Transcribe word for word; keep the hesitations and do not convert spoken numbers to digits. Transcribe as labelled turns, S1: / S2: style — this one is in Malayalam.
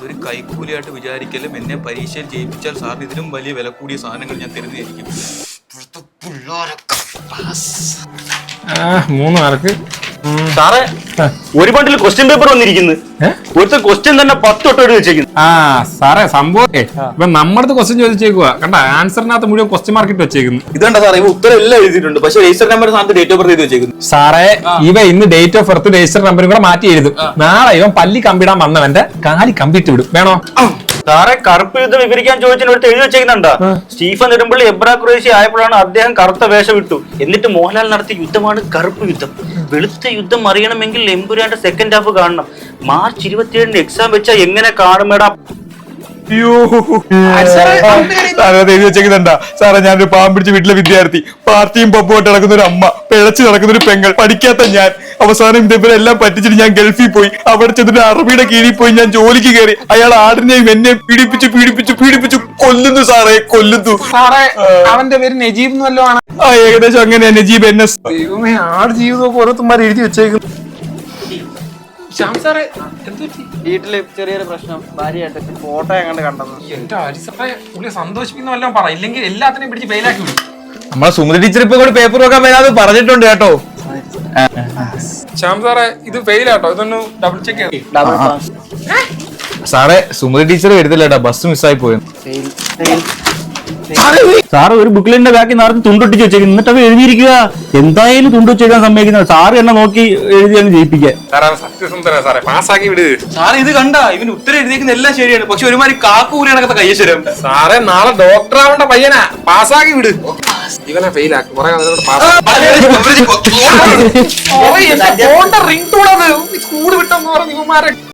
S1: ഇതൊരു കൈക്കൂലിയായിട്ട് വിചാരിക്കലും എന്നെ പരീക്ഷയിൽ ജയിപ്പിച്ചാൽ സാറിന് ഇതിലും വലിയ വില കൂടിയ സാധനങ്ങൾ ഞാൻ തരുന്നതായിരിക്കും.
S2: മൂന്ന് മാർക്ക്.
S3: സാറേ ഒരു ബണ്ടിൽ ക്വസ്റ്റ്യൻ പേപ്പർ വന്നിരിക്കുന്നു. ഒരുത്ത ക്വസ്റ്റ്യൻ തന്നെ പത്ത് തൊട്ട് എഴുതി വെച്ചേക്കുന്നു.
S2: ആ സാറേ സംഭവം ഇപ്പൊ നമ്മുടെ ക്വസ്റ്റ്യൻ ചോദിച്ചേക്കുക കണ്ട ആൻസറിനകത്ത് മുഴുവൻ ക്വസ്റ്റ്യൻ മാർക്ക് ഇട്ട് വെച്ചേക്കുന്നു.
S1: ഇതുണ്ട സാറേ ഇവ ഉത്തരം എല്ലാം എഴുതിയിട്ടുണ്ട്, പക്ഷെ രജിസ്റ്റർ നമ്പർ സ്ഥാനത്ത് ഡേറ്റ് ഓഫ് ബർത്ത് എഴുതി വെച്ചേക്കുന്നു.
S2: സാറേ ഇവ ഇന്ന് ഡേറ്റ് ഓഫ് ബർത്ത് രജിസ്റ്റർ നമ്പറും കൂടെ മാറ്റി എഴുതും. നാളെ ഇവൻ പല്ലി കമ്പിടാൻ വന്നവന്റെ കാലി കമ്പിട്ട് വിടും. വേണോ?
S3: സാറേ കറുപ്പ് യുദ്ധം വിവരിക്കാൻ ചോദിച്ചതിന് എടുത്ത് എഴുതി വെച്ചേക്കുന്നുണ്ടാ. സ്റ്റീഫൻ നെടുമ്പള്ളി എബ്രാ ഖുറേഷി ആയപ്പോഴാണ് അദ്ദേഹം കറുത്ത വേഷം വിട്ടു. എന്നിട്ട് മോഹൻലാൽ നടത്തിയ യുദ്ധമാണ് കറുപ്പ് യുദ്ധം. വെളുത്ത യുദ്ധം അറിയണമെങ്കിൽ എമ്പുരാന്റെ സെക്കൻഡ് ഹാഫ് കാണണം. മാർച്ച് ഇരുപത്തിയേഴിന് എക്സാം വെച്ചാൽ എങ്ങനെ കാണുമേടാ?
S2: എഴുതി വെച്ചേക്കുന്നുണ്ടാ. സാറേ ഞാനൊരു പാവം പിടിച്ച വീട്ടിലെ വിദ്യാർത്ഥി, പാർട്ടിയും പപ്പുമായിട്ട് നടക്കുന്ന ഒരു അമ്മ, പിഴച്ചു നടക്കുന്ന ഒരു പെങ്ങൾ, പഠിക്കാത്ത ഞാൻ, അവസാനം ഇതേപോലെ എല്ലാം പറ്റിച്ചിട്ട് ഞാൻ ഗൾഫിൽ പോയി. അവിടെ ചെന്നിട്ട് അറബിയുടെ കീഴിൽ പോയി ഞാൻ ജോലിക്ക് കയറി. അയാൾ ആടിനെയും എന്നെ പീഡിപ്പിച്ചു പീഡിപ്പിച്ചു പീഡിപ്പിച്ചു കൊല്ലുന്നു സാറേ, കൊല്ലുന്നു സാറേ. അവന്റെ പേര് നജീബ് എന്നല്ലോ ആണ്. ആ ഏകദേശം അങ്ങനെയാ, നജീബ് എൻ എസ്. ദൈവമേ, ആട് ജീവിതമൊക്കെ ഓരോരുത്തന്മാർ എഴുതി വെച്ചേക്കുന്നു.
S4: വീട്ടില് ചെറിയൊരു പ്രശ്നം, ഭാര്യയായിട്ട് ഫോട്ടോ എങ്ങാണ്ട് കണ്ടത്.
S2: എന്റെ അരിസപ്പെ പുള്ളിയെ സന്തോഷിപ്പിക്കുന്ന വല്ലതും പറ, ഇല്ലെങ്കിൽ എല്ലാത്തിനെയും പിടിച്ച് ഫെയിലാക്കി വിടും.
S1: നമ്മളെ സുമതി ടീച്ചർ ഇപ്പൊ കൂടി പേപ്പർ വെക്കാൻ വരാതെ പറഞ്ഞിട്ടുണ്ട് കേട്ടോ.
S2: ശ്യാം സാറേ ഇത് ഫെയിലാട്ടോ, ഇതൊന്ന് ഡബിൾ ചെക്ക് ചെയ്തു.
S4: ഡബിൾ
S1: സാറേ സുമതി ടീച്ചർ വരുന്നില്ല കേട്ടോ, ബസ് മിസ്സായി പോയത്.
S3: സാറ് ഒരു ബുക്കിലിന്റെ ബാക്കി നിറച്ച് തുണ്ടൊട്ടിച്ച് വെച്ചേക്കുന്നു. എന്നിട്ട് അവ എഴുതിയിരിക്കുക. എന്തായാലും തുണ്ട് വെച്ചേക്കാൻ സമ്മതിക്കുന്നത്. സാറ് എന്നെ നോക്കി എഴുതിയാണ് ജയിപ്പിക്കാൻ.
S2: സത്യസന്ധന സാറേ, പാസ്സാക്കി വിട്.
S1: സാറേ ഇത് കണ്ട ഇവന് ഉത്തരം എഴുതിയേക്കുന്ന എല്ലാം ശരിയാണ്, പക്ഷെ ഒരുമാതിരി കാക്കൂരി കണക്കത്തെ കയ്യശ്വരം.
S2: സാറേ നാളെ ഡോക്ടർ ആവേണ്ട പയ്യനാ, പാസ്സാക്കി വിട്. ഇവനെ ഫെയിലാക്കും. റിംഗ് ടൂണത് സ്കൂൾ വിട്ടെന്ന് പറഞ്ഞു ഇവന്മാരെ.